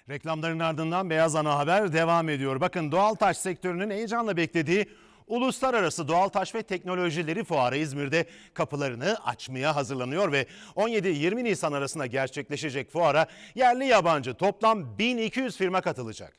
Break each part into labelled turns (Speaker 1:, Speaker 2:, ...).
Speaker 1: Reklamların ardından Beyaz Ana Haber devam ediyor. Bakın doğal taş sektörünün heyecanla beklediği Uluslararası Doğal Taş ve Teknolojileri Fuarı İzmir'de kapılarını açmaya hazırlanıyor ve 17-20 Nisan arasında gerçekleşecek fuara yerli yabancı toplam 1200 firma katılacak.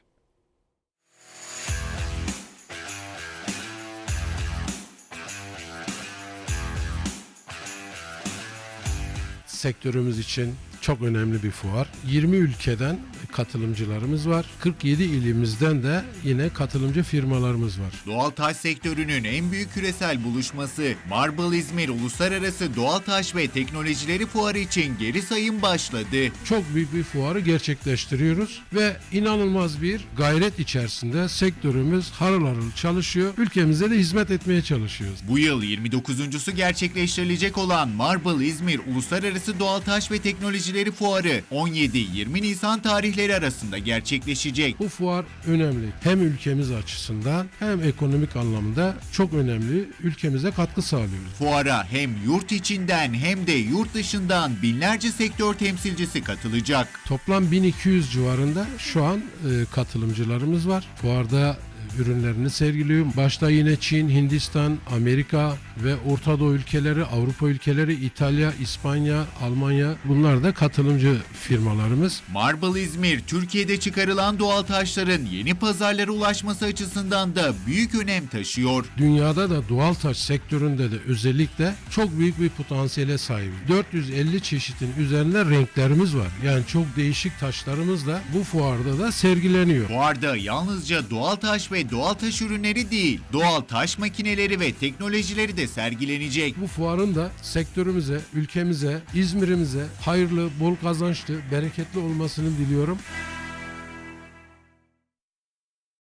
Speaker 2: Sektörümüz için çok önemli bir fuar. 20 ülkeden katılımcılarımız var. 47 ilimizden de yine katılımcı firmalarımız var.
Speaker 3: Doğal taş sektörünün en büyük küresel buluşması Marble İzmir Uluslararası Doğal Taş ve Teknolojileri Fuarı için geri sayım başladı.
Speaker 2: Çok büyük bir fuarı gerçekleştiriyoruz ve inanılmaz bir gayret içerisinde sektörümüz harıl harıl çalışıyor. Ülkemize de hizmet etmeye çalışıyoruz.
Speaker 3: Bu yıl 29.'su gerçekleştirilecek olan Marble İzmir Uluslararası Doğal Taş ve Teknolojileri Fuarı 17-20 Nisan tarihleri arasında gerçekleşecek.
Speaker 2: Bu fuar önemli. Hem ülkemiz açısından hem ekonomik anlamda çok önemli. Ülkemize katkı sağlıyoruz.
Speaker 3: Fuara hem yurt içinden hem de yurt dışından binlerce sektör temsilcisi katılacak.
Speaker 2: Toplam 1200 civarında şu an katılımcılarımız var. Fuarda ürünlerini sergiliyor. Başta yine Çin, Hindistan, Amerika ve Orta Doğu ülkeleri, Avrupa ülkeleri, İtalya, İspanya, Almanya, bunlar da katılımcı firmalarımız.
Speaker 3: Marble İzmir, Türkiye'de çıkarılan doğal taşların yeni pazarlara ulaşması açısından da büyük önem taşıyor.
Speaker 2: Dünyada da doğal taş sektöründe de özellikle çok büyük bir potansiyele sahip. 450 çeşitin üzerinde renklerimiz var. Yani çok değişik taşlarımız da bu fuarda da sergileniyor.
Speaker 3: Fuarda yalnızca doğal taş ve doğal taş ürünleri değil, doğal taş makineleri ve teknolojileri de sergilenecek.
Speaker 2: Bu fuarın da sektörümüze, ülkemize, İzmir'imize hayırlı, bol kazançlı, bereketli olmasını diliyorum.